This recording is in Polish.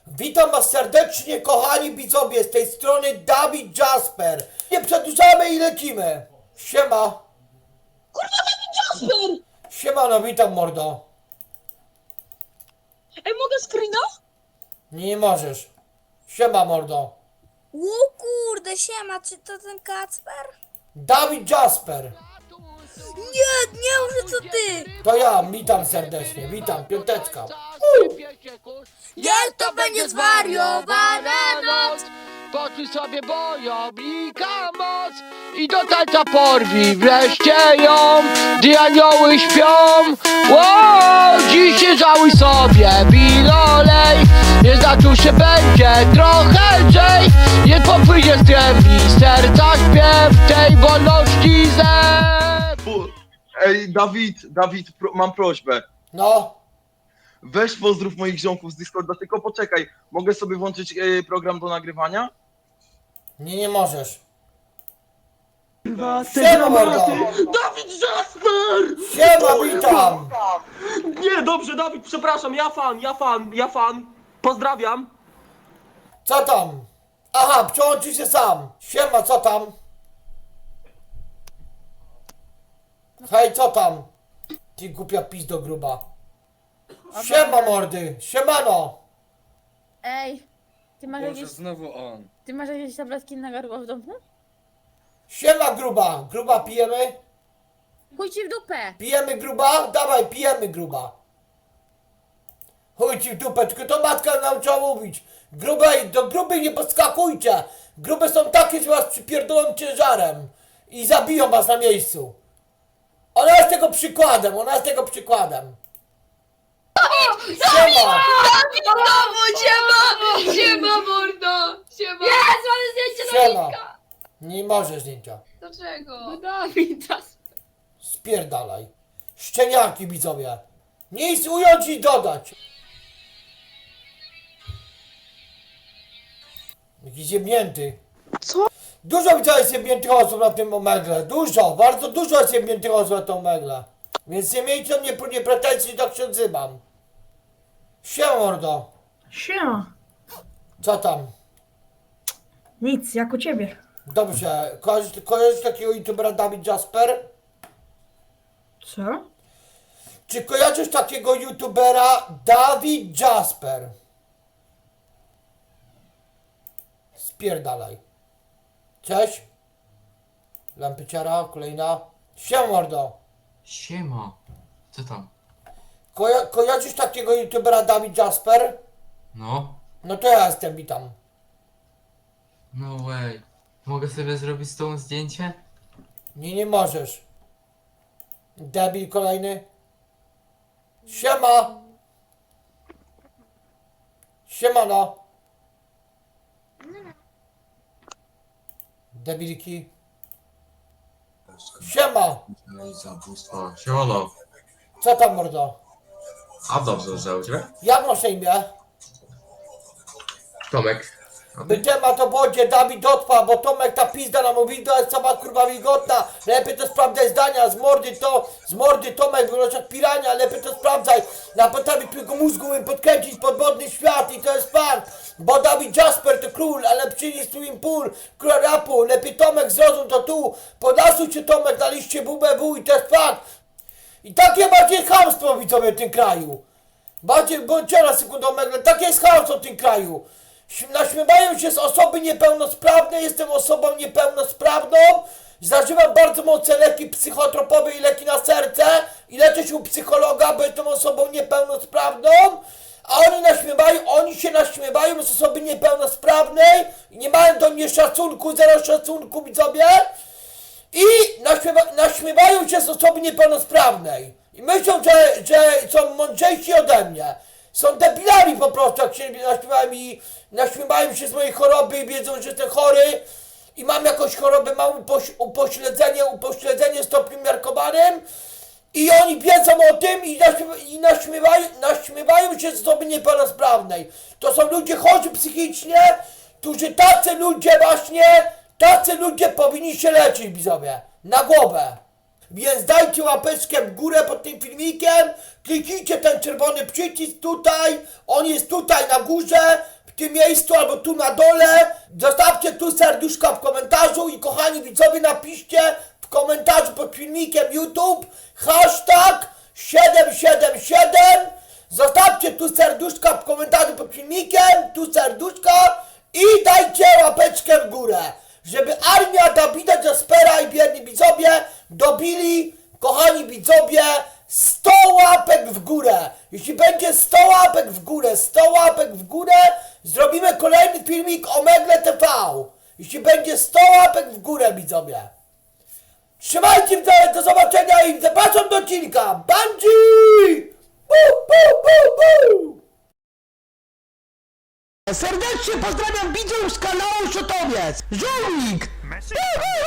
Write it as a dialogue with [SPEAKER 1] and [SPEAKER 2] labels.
[SPEAKER 1] Witam was serdecznie, kochani widzowie, z tej strony Dawid Jasper. Nie przedłużamy i lecimy. Siema.
[SPEAKER 2] Kurwa, Dawid Jasper!
[SPEAKER 1] Siemano, witam mordo.
[SPEAKER 2] Ej, mogę screena?
[SPEAKER 1] Nie możesz. Siema mordo.
[SPEAKER 3] O kurde, siema, czy to ten Kacper?
[SPEAKER 1] Dawid Jasper.
[SPEAKER 3] Nie, nie, że to ty!
[SPEAKER 1] To ja, witam serdecznie, witam, piąteczka.
[SPEAKER 3] Giel to będzie zwariowana noc!
[SPEAKER 4] Poczuj sobie bojownika moc i do tańca porwij wreszcie ją, gdy anioły śpią. Ło, dziś nie żałuj sobie, bilolej, nie zaczął się będzie trochę lżej. Nie popłynie z głębi serca śpiew tej wolności
[SPEAKER 5] Ej, Dawid, mam prośbę.
[SPEAKER 1] No,
[SPEAKER 5] Weź pozdrów moich ziomków z Discorda, tylko poczekaj. Mogę sobie włączyć program do nagrywania?
[SPEAKER 1] nie możesz. Siema mordo.
[SPEAKER 6] Dawid Jasper!
[SPEAKER 1] Siema, witam.
[SPEAKER 6] Nie, dobrze, Dawid, przepraszam, ja fan. Pozdrawiam.
[SPEAKER 1] Co tam? Aha, przełączy się sam. Siema, co tam? Hej, co tam? Ty głupia pizdo gruba. Siema mordy, siemano.
[SPEAKER 7] Ej, ty masz
[SPEAKER 8] Boże,
[SPEAKER 7] jakieś,
[SPEAKER 8] znowu on.
[SPEAKER 7] ty masz jakieś tabletki na gardło w domu?
[SPEAKER 1] Siema gruba, gruba pijemy?
[SPEAKER 7] Chuj ci w dupę!
[SPEAKER 1] Pijemy gruba? Dawaj, pijemy gruba. Chuj ci w dupę, tylko to matka nauczyła mówić. Grubej, do grubej nie podskakujcie. Grube są takie, że was przypierdolą ciężarem. I zabiją was na miejscu. Ona jest tego przykładem, ona jest tego przykładem. Siema!
[SPEAKER 9] Siema mordo! Siema!
[SPEAKER 7] Jest, mamy zdjęcie
[SPEAKER 1] Siema!
[SPEAKER 7] Dawidka!
[SPEAKER 1] Nie możesz zdjęcia.
[SPEAKER 9] Dlaczego?
[SPEAKER 7] No Dawid Jasper.
[SPEAKER 1] Spierdalaj. Szczeniaki widzowie. Nic ująć i dodać. Jakiś jebnięty.
[SPEAKER 2] Co?
[SPEAKER 1] Dużo widzę jest jebniętych osób na tym omegle. Dużo, bardzo dużo jest jebniętych osób na tym omegle. Więc nie miejcie mnie pretensji, że tak się odzywam. Siema mordo.
[SPEAKER 10] Siema.
[SPEAKER 1] Co tam?
[SPEAKER 10] Nic, jak u ciebie.
[SPEAKER 1] Dobrze. Kojarzysz takiego youtubera Dawid Jasper?
[SPEAKER 10] Co?
[SPEAKER 1] Czy kojarzysz takiego youtubera Dawid Jasper? Spierdalaj. Cześć. Lampyciara, kolejna. Siema mordo.
[SPEAKER 8] Siema. Co tam?
[SPEAKER 1] Kojarzysz takiego youtubera Dawid Jasper?
[SPEAKER 8] No?
[SPEAKER 1] No to ja jestem, witam.
[SPEAKER 8] No way. Mogę sobie zrobić z tą zdjęcie?
[SPEAKER 1] Nie możesz. Debil kolejny. Siema. Siemano. Debilki. Siema.
[SPEAKER 11] Siemano.
[SPEAKER 1] Co tam mordo?
[SPEAKER 11] A dobrze, że u ciebie?
[SPEAKER 1] Jak masz na imię?
[SPEAKER 11] Tomek.
[SPEAKER 1] By temat o wodzie Dawid odpa, bo Tomek ta pizda nam mówi, to jest sama kurwa wilgotna. Lepiej to sprawdzaj zdania, z mordy Tomek wyglądasz jak pirania, lepiej to sprawdzaj. Na podstawie twojego mózgu umiem podkręcić podwodny świat i to jest fakt. Bo Dawid Jasper to król, ale przynieś swimming pool, król rapu. Lepiej Tomek zrozum to tu, podlasuj się Tomek na liście WBW i to jest fakt. I takie bardziej chamstwo widzowie w tym kraju. Bardziej, bądźcie na sekundę omegle, takie jest chamstwo w tym kraju. Naśmiewają się z osoby niepełnosprawnej, jestem osobą niepełnosprawną, zażywam bardzo mocne leki psychotropowe i leki na serce i leczę się u psychologa, bo jestem osobą niepełnosprawną, a oni się naśmiewają z osoby niepełnosprawnej i nie mają do mnie szacunku, zero szacunku widzowie i naśmiewają się z osoby niepełnosprawnej i myślą, że są mądrzejsi ode mnie. Są debilami po prostu, jak się naśmiewają się z mojej choroby i wiedzą, że jestem chory i mam jakąś chorobę, mam upośledzenie stopniu miarkowanym i oni wiedzą o tym i naśmiewają się z osoby niepełnosprawnej. To są ludzie chorzy psychicznie, którzy tacy ludzie powinni się leczyć, widzowie, na głowę. Więc dajcie łapeczkę w górę pod tym filmikiem, kliknijcie ten czerwony przycisk tutaj, on jest tutaj na górze, w tym miejscu albo tu na dole. Zostawcie tu serduszka w komentarzu i kochani widzowie, napiszcie w komentarzu pod filmikiem YouTube hashtag 777. Zostawcie tu serduszka w komentarzu pod filmikiem, tu serduszka i dajcie łapeczkę w górę, żeby armia Dawida Jaspera i bierni widzowie dobili, kochani widzowie, 100 łapek w górę. Jeśli będzie 100 łapek w górę, 100 łapek w górę, zrobimy kolejny filmik o Megle TV. Jeśli będzie 100 łapek w górę, widzowie. Trzymajcie widzowie, do zobaczenia i zapraszam do odcinka. Bungie! Serdecznie pozdrawiam widzów z kanału Szotowiec. Żołnik!